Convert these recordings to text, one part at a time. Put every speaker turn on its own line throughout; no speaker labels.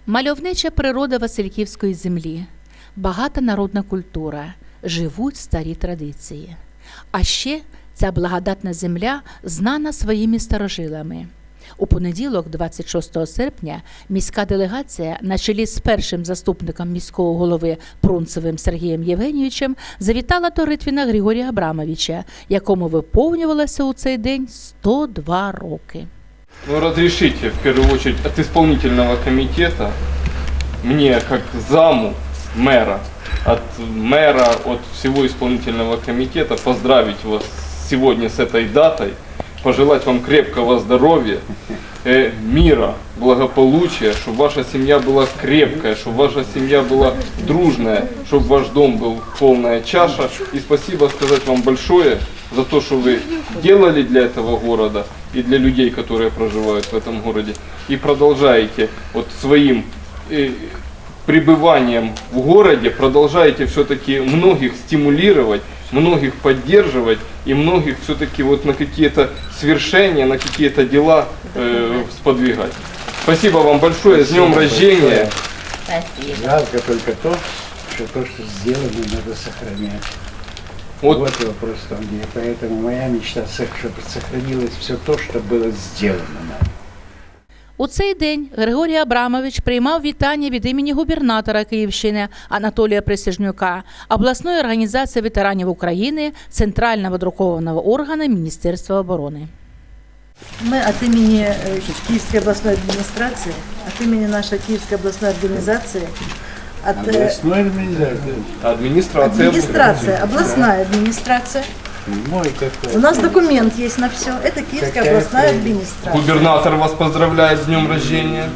Мальовнича природа Васильківської землі, багата народна культура, живуть старі традиції. А ще ця благодатна земля знана своїми старожилами. У понеділок, 26 серпня, міська делегація на чолі з першим заступником міського голови Прунцевим Сергієм Євгенійовичем завітала до Ритвіна Григорія Абрамовича, якому виповнювалося у цей день 102 роки.
Ну, разрешите, в первую очередь, от исполнительного комитета, мне, как заму мэра, от всего исполнительного комитета поздравить вас сегодня с этой датой, пожелать вам крепкого здоровья, мира, благополучия, чтобы ваша семья была крепкая, чтобы ваша семья была дружная, чтобы ваш дом был полная чаша. И спасибо сказать вам большое за то, что вы делали для этого города и для людей, которые проживают в этом городе. И продолжаете вот своим пребыванием в городе, продолжаете все-таки многих стимулировать, многих поддерживать и многих все-таки вот на какие-то свершения, на какие-то дела сподвигать. Спасибо вам большое, с днем рождения.
Жалко только то, что сделано, надо сохранять. Вот вопрос там, где. Поэтому моя мечта, чтобы сохранилось все то, что было сделано нами.
У цей день Григорій Абрамович приймав вітання від імені губернатора Київщини Анатолія Присяжнюка, обласної організації ветеранів України, центрального друкованого органу Міністерства оборони.
Мы от имени Киевской областной администрации, от имени нашей Киевской областной организации,
Областной администрации.
администрация, областная администрация.
Мой какой.
У нас документ есть на все. Это Киевская областная администрация.
Губернатор вас поздравляет с днем рождения.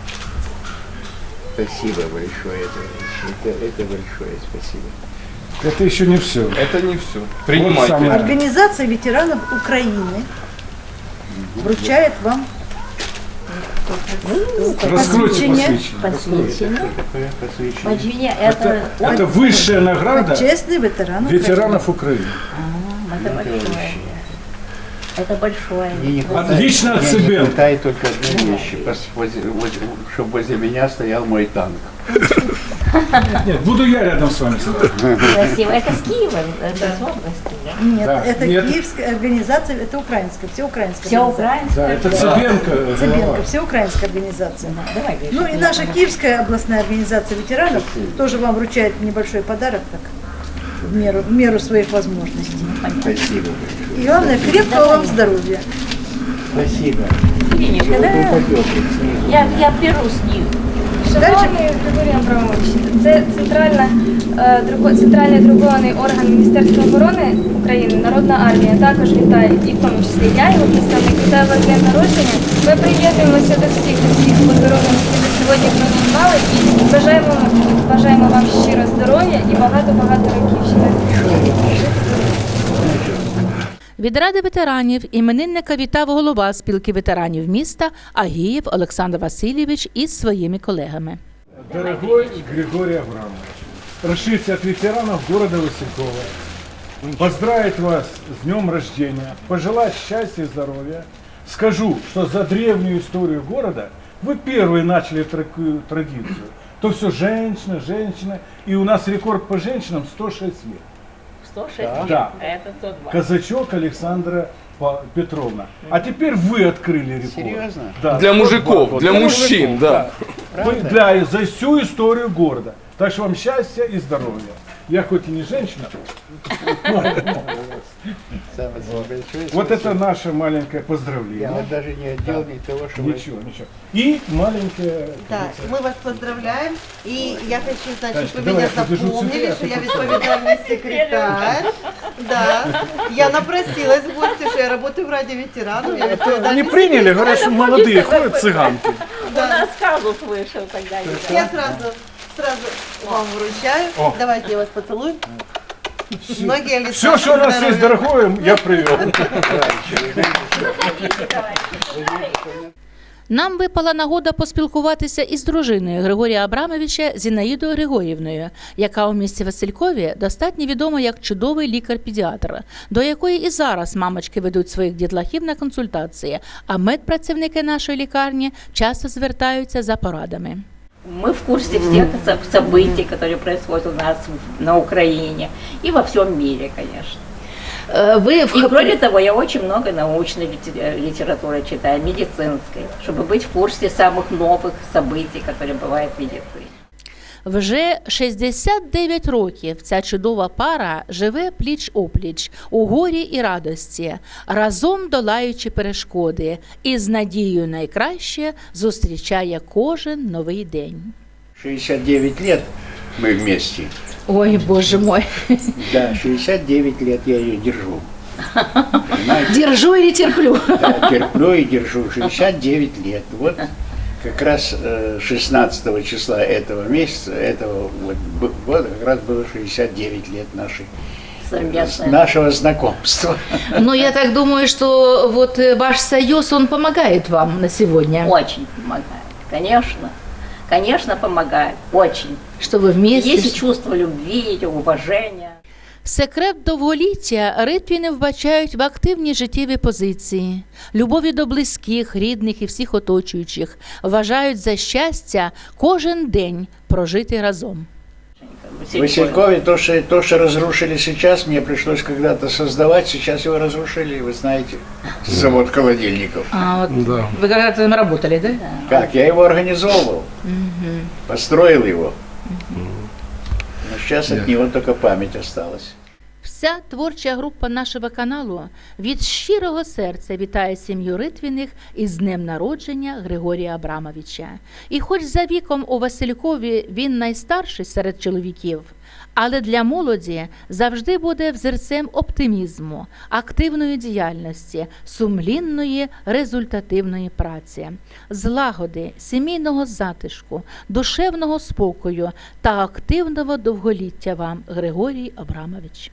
Спасибо большое. Это большое спасибо.
Это еще не все.
Это не все. Принимайте.
Вот самое.
Организация ветеранов Украины вручает вам
Раскройте
посвящение.
Посвящение.
Это высшая награда
Почестный ветеран
ветеранов Украины.
Это большое. Это большое.
Лично от себя.
Не хватает только одной вещи, чтобы возле меня стоял мой танк.
Нет, буду я рядом с вами.
Красиво. Это с Киева, это из области, да?
Нет,
Да.
это
Нет.
Киевская организация, это украинская, всеукраинская
Все
организация.
Да,
украинское.
это Цыбенко.
Цыбенко, всеукраинская организация.
Давай, Гриша.
Ну и наша Киевская областная организация ветеранов тоже вам вручает небольшой подарок так, в меру своих возможностей.
Спасибо.
И главное, крепкого вам здоровья.
Спасибо.
Ириночка, да? Я беру с них.
Шановний Григорій Абрамович, це центральний друкований орган Міністерства оборони України, Народна армія, також вітає, і в тому числі я, його представник, вітаю вас з днем народження. Ми приєднуємося до всіх поздоровлень, які ви сьогодні приготували, і бажаємо вам щиро здоров'я і багато-багато років ще.
Від Ради ветеранів іменинника вітав голова спілки ветеранів міста Агієв Олександр Васильович із своїми колегами.
Дорогой Григорий Абрамович, разрешите от ветеранов города Василькова поздравить вас с днем рождения, пожелать счастья и здоровья. Скажу, что за древнюю историю города вы первые начали такую традицию. То все женщина, и у нас рекорд по женщинам 106 лет.
106 лет,
Да.
а это 102.
Казачок Александра Петровна. А теперь вы открыли рекорд.
Серьезно?
Да,
Для
102
мужиков,
года.
для мужчин, да.
Вы за всю историю города. Так что вам счастья и здоровья. Я хоть и не женщина.
Самое большое
Вот
спасибо.
это наше маленькое
Я
поздравление.
вот даже не отдел ни того, что вы...
Ничего. И маленькое...
Да, мы вас поздравляем. И я хочу знать,
Танечка,
что вы
давай,
меня
я подержу
запомнили,
тебя,
что
а
я
ты
відповідальний секретарь. Да. Я напросилась в гости, что я работаю в Раді ветеранов. Я відповідальний
Не приняли, говорят, что молодые ходят цыганки.
У нас казус вышел тогда.
Я сразу вам вручаю.
О.
Давайте я вас поцелую. Многие лета.
Все, что у нас есть дорогое, я привел.
Нам випала нагода поспілкуватися із дружиною Григорія Абрамовича Зінаїдою Григорівною, яка у місті Василькові достатньо відома як чудовий лікар-педіатр, до якої і зараз мамочки ведуть своїх дітлахів на консультації, а медпрацівники нашої лікарні часто звертаються за порадами.
Мы в курсе всех событий, которые происходят у нас на Украине и во всем мире, конечно.
Ви
И кроме того, я очень много научной литературы читаю, медицинской, чтобы быть в курсе самых новых событий, которые бывают в медицине.
Вже 69 років ця чудова пара живе пліч-опліч у горі і радості, разом долаючи перешкоди і з надією найкраще зустрічає кожен новий день.
69 лет мы вместе.
Ой, Боже мой.
Да, 69 лет я ее держу. Понимаете?
Держу или терплю?
Да, терплю и держу. 69 лет. Вот как раз 16 числа этого месяца, этого года, как раз было 69 лет нашего знакомства.
Ну, я так думаю, что вот ваш союз, он помогает вам на сегодня.
Очень помогает, конечно. Конечно, помогает, очень.
Что вы вместе.
Есть чувство любви, уважения.
Секрет довголіття ритвіни вбачають в активній життєвій позиції, любові до близьких, рідних і всіх оточуючих, вважають за щастя кожен день прожити разом.
В Василькове то, что разрушили сейчас, мне пришлось когда-то создавать, сейчас его разрушили, вы знаете, завод холодильников.
А вот да. Вы когда-то там работали, да?
Как? Я его организовывал, построил его. Но сейчас от него только память осталась.
Вся творча група нашого каналу від щирого серця вітає сім'ю Ритвіних із днем народження Григорія Абрамовича. І хоч за віком у Василькові він найстарший серед чоловіків, але для молоді завжди буде взірцем оптимізму, активної діяльності, сумлінної результативної праці, злагоди, сімейного затишку, душевного спокою та активного довголіття вам, Григорій Абрамович.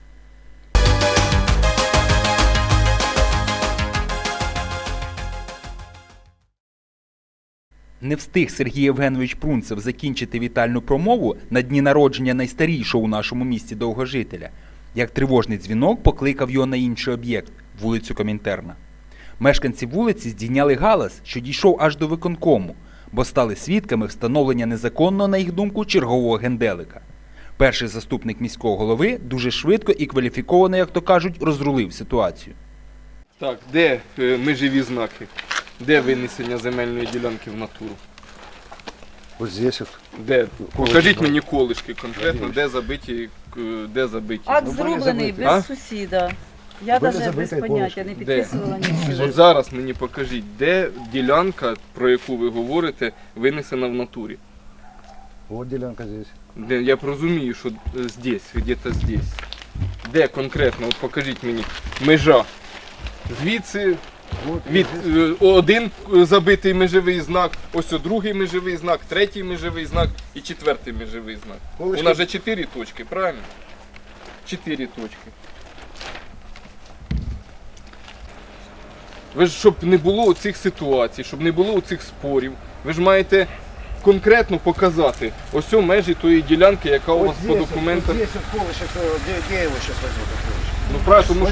Не встиг Сергій Євгенович Прунцев закінчити вітальну промову на дні народження найстарішого у нашому місті довгожителя, як тривожний дзвінок покликав його на інший об'єкт – вулицю Комінтерна. Мешканці вулиці здійняли галас, що дійшов аж до виконкому, бо стали свідками встановлення незаконного, на їх думку, чергового генделика. Перший заступник міського голови дуже швидко і кваліфіковано, як то кажуть, розрулив ситуацію.
Так, де межові знаки? Де винесення земельної ділянки в натуру?
Вот здесь вот.
Де? Покажіть мені колишки конкретно, де забиті, де забиті.
Акт зроблений без сусіда. Я навіть без поняття не підписувала нічого.
От зараз мені покажіть, де ділянка, про яку ви говорите, винесена в натурі.
Вот делянка здесь.
Де, я розумію, що здесь, где-то здесь. Де конкретно, от покажіть мені, межа. Звідси від один забитий межовий знак, ось другий межовий знак, третій межовий знак і четвертий межовий знак. У нас же 4 точки, правильно? 4 точки. Ви ж, щоб не було цих ситуацій, щоб не було цих спорів, ви ж маєте конкретно показати ось межі тої ділянки, яка у вас по документах.
Здесь вот колышек, где я его сейчас возьму?
Ну правильно,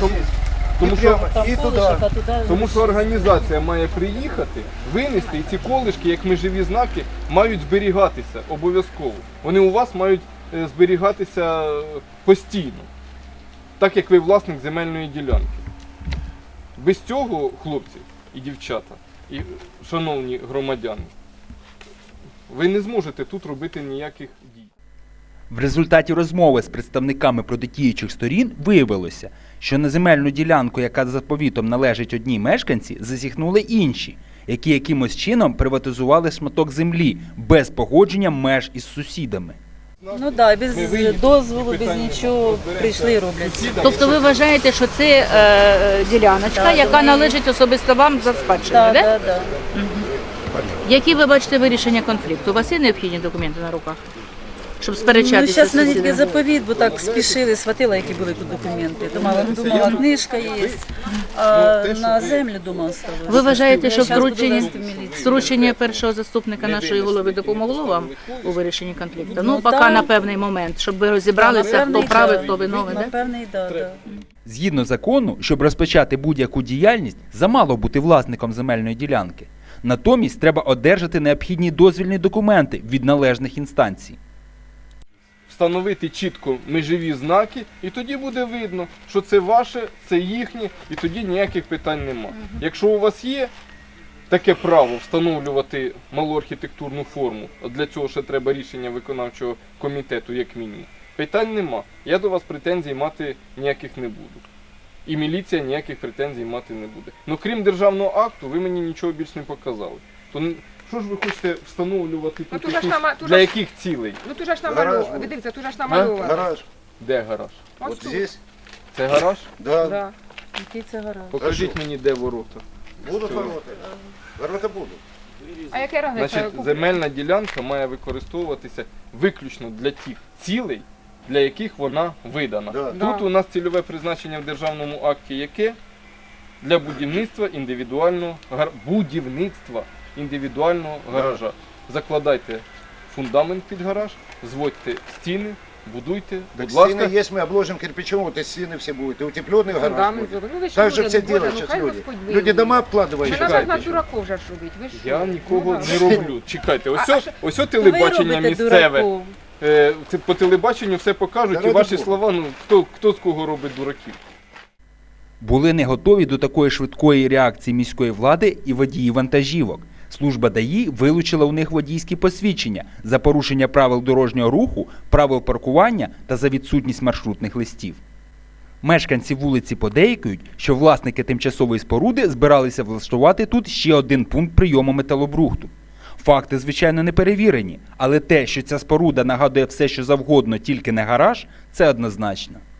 тому що
Тому
організація має приїхати, винести, і ці колишки, як межові знаки, мають зберігатися обов'язково. Вони у вас мають зберігатися постійно, так як ви власник земельної ділянки. Без цього, хлопці і дівчата, і шановні громадяни, ви не зможете тут робити ніяких дій.
В результаті розмови з представниками протидіючих сторін виявилося, що на земельну ділянку, яка за заповітом належить одній мешканці, засіхнули інші, які якимось чином приватизували шматок землі без погодження меж із сусідами.
Ну так, без дозволу, без нічого прийшли і роблять.
Тобто ви вважаєте, що це діляночка, яка належить особисто вам за спадщиною, так?
Так.
Які ви бачите вирішення конфлікту? У вас є необхідні документи на руках, щоб сперечатися?
Ну, зараз
з
на
сусідами?
тільки заповіт, бо так спішили, схватила, які були тут документи. Думала, книжка є, а на землю, думала, ставили.
Ви вважаєте, що
Щас буду вести в міліцію.
втручення першого заступника нашої голови допомогло вам у вирішенні конфлікту? Ну, поки
так.
на певний момент, щоб ви розібралися, хто правий, хто виновний, так?
Напевне, так.
Згідно закону, щоб розпочати будь-яку діяльність, замало бути власником земельної ділянки. Натомість треба одержати необхідні дозвільні документи від належних інстанцій.
Встановити чітко межові знаки, і тоді буде видно, що це ваше, це їхнє, і тоді ніяких питань нема. Якщо у вас є таке право встановлювати малу архітектурну форму, а для цього ще треба рішення виконавчого комітету, як мінімум, питань нема. Я до вас претензій мати ніяких не буду. І міліція ніяких претензій мати не буде. Ну крім державного акту, ви мені нічого більш не показали. То що ж ви хочете встановлювати тут
тут
якісь,
ж нама- тут
для
ж-
яких цілей?
Ну тут же ж намальовано. Ви дивіться, тут же ж намальовано.
Гараж.
Де гараж?
Ось
Вот
тут.
здесь.
Це гараж?
Да.
Да.
Який це гараж?
Покажіть мені, де ворота.
Будут
Всё.
ворота. Ворота будут.
А яке разниця?
Значить, земельна ділянка має використовуватися виключно для тих цілей, для яких вона видана.
Да.
Да.
Тут у нас цільове призначення в державному акті яке? Для будівництва індивідуального гаража. Закладайте фундамент під гараж, зводьте стіни, будуйте,
Так
будь ласка.
стены есть, мы обложим кирпичом, вот и стены все будут. И утепленный гараж
Фундамент
будет.
зробили. Ну ви що
Так же
люди,
все
ну, Боже,
делают
ну,
сейчас
хай
люди.
Господь
Люди
вилує.
дома
Не
обкладывают.
треба
Чекайте,
ж на
що?
дураков вже ж робити. Ви що?
Я нікого
Ну,
не
да.
роблю. Чекайте,
А
ось
Ви
телебачення
робите
місцеве.
дураков.
По телебаченню все покажуть,
Та
і ваші
ради
слова, ну хто з кого робить дураків?
Були не готові до такої швидкої реакції міської влади і водії вантажівок. Служба ДАІ вилучила у них водійські посвідчення за порушення правил дорожнього руху, правил паркування та за відсутність маршрутних листів. Мешканці вулиці подейкують, що власники тимчасової споруди збиралися влаштувати тут ще один пункт прийому металобрухту. Факти, звичайно, не перевірені, але те, що ця споруда нагадує все, що завгодно, тільки не гараж, це однозначно.